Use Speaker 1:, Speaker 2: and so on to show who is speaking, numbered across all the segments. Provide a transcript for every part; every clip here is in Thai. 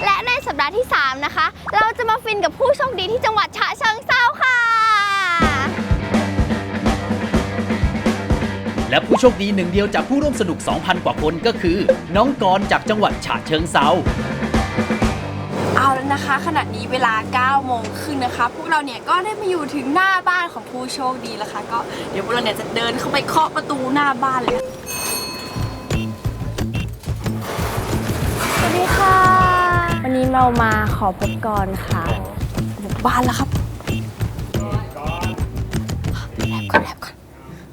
Speaker 1: และในสัปดาห์ที่ 3 นะคะ เราจะมาฟินกับผู้โชคดีที่จังหวัดฉะเชิงเทราค่ะ
Speaker 2: และผู้โชคดีหนึ่งเดียวจากผู้ร่วมสนุก 2,000 กว่าคนก็คือน้องกรณ์จากจังหวัดฉะเชิงเทรา
Speaker 3: เอาแล้วนะคะขณะนี้เวลา 9 โมงครึ่งนะคะพวกเราเนี่ยก็ได้มาอยู่ถึงหน้าบ้านของผู้โชคดีแล้วค่ะก็เดี๋ยวพวกเราเนี่ยจะเดินเข้าไปเคาะประตูหน้าบ้านเลย
Speaker 1: สวัสดีค่ะวันนี้เรามาขอพบกรค่ะ
Speaker 3: บุกบ้านแล้วครับแอบก่อน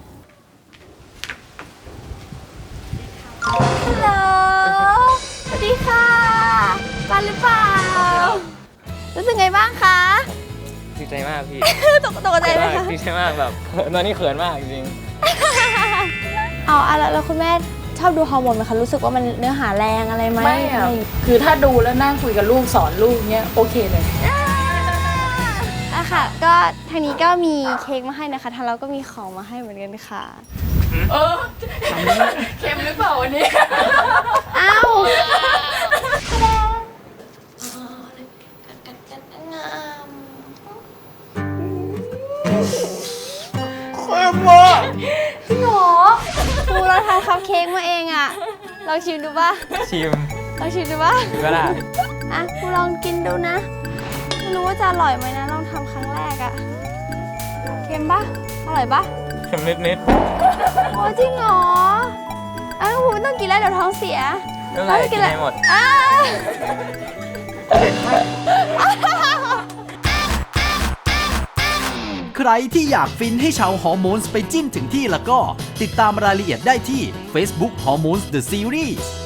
Speaker 3: ฮัลโหล
Speaker 1: สวัสดีค่ะบ้านหรือเปล่ารู้สึกไงบ้างคะ
Speaker 4: ดีใจมากพี่
Speaker 1: ตกใจไหมคะ
Speaker 4: ดีใจมากแบบตอนนี้เขินมากจริง
Speaker 1: เอาแล้วคุณแม่ชอบดูฮอร์โมนไหมคะรู้สึกว่ามันเนื้อหาแรงอะไรไหม
Speaker 5: ไม่อะคือถ้าดูแล้วนั่งคุยกับลูกสอนลูกเนี้ยโอเคเลย
Speaker 1: อะค่ะก็ทางนี้ก็มีเค้กมาให้นะคะทางเราก็มีของมาให้เหมือนกันค่ะ
Speaker 5: เค็มหรือเปล่าวันนี้
Speaker 1: อ้าวจริงเหรอครูเราทำคัพเค้กมาเองอ่ะลองชิมดูป่ะ
Speaker 4: ชิม
Speaker 1: ลองชิมดูป่ะ
Speaker 4: ก็ได้
Speaker 1: อ่ะครูลองกินดูนะไม่รู้ว่าจะอร่อยไหมนะลองทำครั้งแรกอ่ะเค็มป่ะอร่อยป่ะ
Speaker 4: เค็มนิด
Speaker 1: โอ้จริงเหรออ้าวครูไม่ต้องกินแล้วเดี๋ยวท้องเสีย
Speaker 4: ไม่เป็นไรกินให้หมด
Speaker 2: ใครที่อยากฟินให้ชาวฮอร์โมนส์ไปจิ้นถึงที่แล้วก็ติดตามรายละเอียดได้ที่ Facebook Hormones The Series